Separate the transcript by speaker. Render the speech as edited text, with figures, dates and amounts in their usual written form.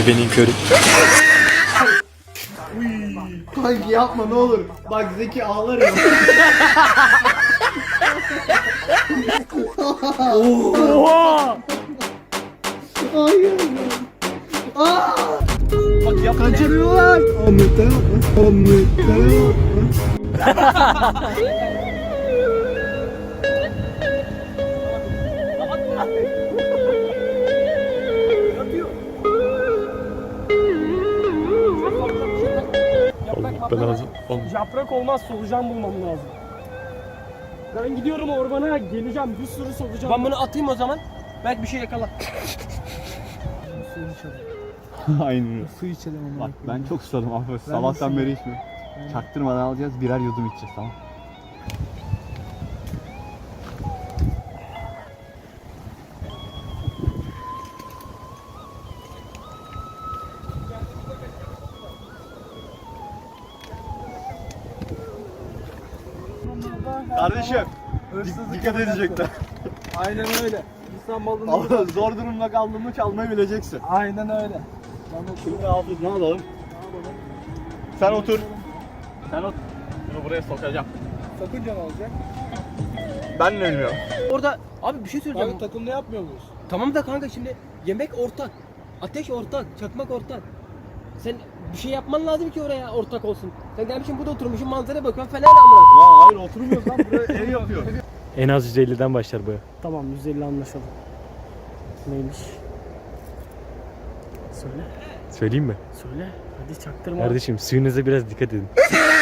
Speaker 1: Ebenin körü.
Speaker 2: Kanki yapma ne olur. Bak Zeki ağlar ya.
Speaker 3: Oha!
Speaker 2: Hayır. Aa!
Speaker 3: Bak yap.
Speaker 2: Kaçırıyorlar. Ahmet'e yapma. Ahmet'e yapma.
Speaker 1: Ben lazım.
Speaker 3: Yaprak olmaz, solucan bulmam lazım. Ben gidiyorum ormana, geleceğim, bir sürü solucan. Ben bunu atayım o zaman. Belki bir şey yakalar. Suyu içelim.
Speaker 4: Aynen.
Speaker 3: Su içelim ama.
Speaker 4: Bak ben çok susadım abi. Sabahtan beri içmiyorum. Çaktırmadan alacağız, birer yudum içeceğiz, tamam. Kardeşim, dikkat edecekler.
Speaker 3: Aynen öyle. İnsan balını
Speaker 4: Zor durumda kaldığında çalmayı bileceksin.
Speaker 3: Aynen öyle.
Speaker 4: Şimdi Hafız ne alalım? Sen otur. Sen otur. Bunu buraya sokacağım.
Speaker 3: Sakınca ne olacak?
Speaker 4: Ben de bilmiyorum.
Speaker 5: Orada abi bir şey söyleyeceğim.
Speaker 3: Kanka takımda yapmıyor muyuz?
Speaker 5: Tamam da kanka şimdi yemek ortak. Ateş ortak, çakmak ortak. Sen bir şey yapman lazım ki oraya ortak olsun. Sen gelmişsin burada oturmuşsun manzaraya bakıyorsun falan amına.
Speaker 4: Ya hayır oturmuyoruz lan, buraya ev yapıyor.
Speaker 1: En az 150'den başlar bu.
Speaker 3: Tamam 150 anlaşalım. Neymiş? Söyle.
Speaker 1: Söyleyeyim mi?
Speaker 3: Söyle. Hadi çaktırma.
Speaker 1: Kardeşim suyunuza biraz dikkat edin.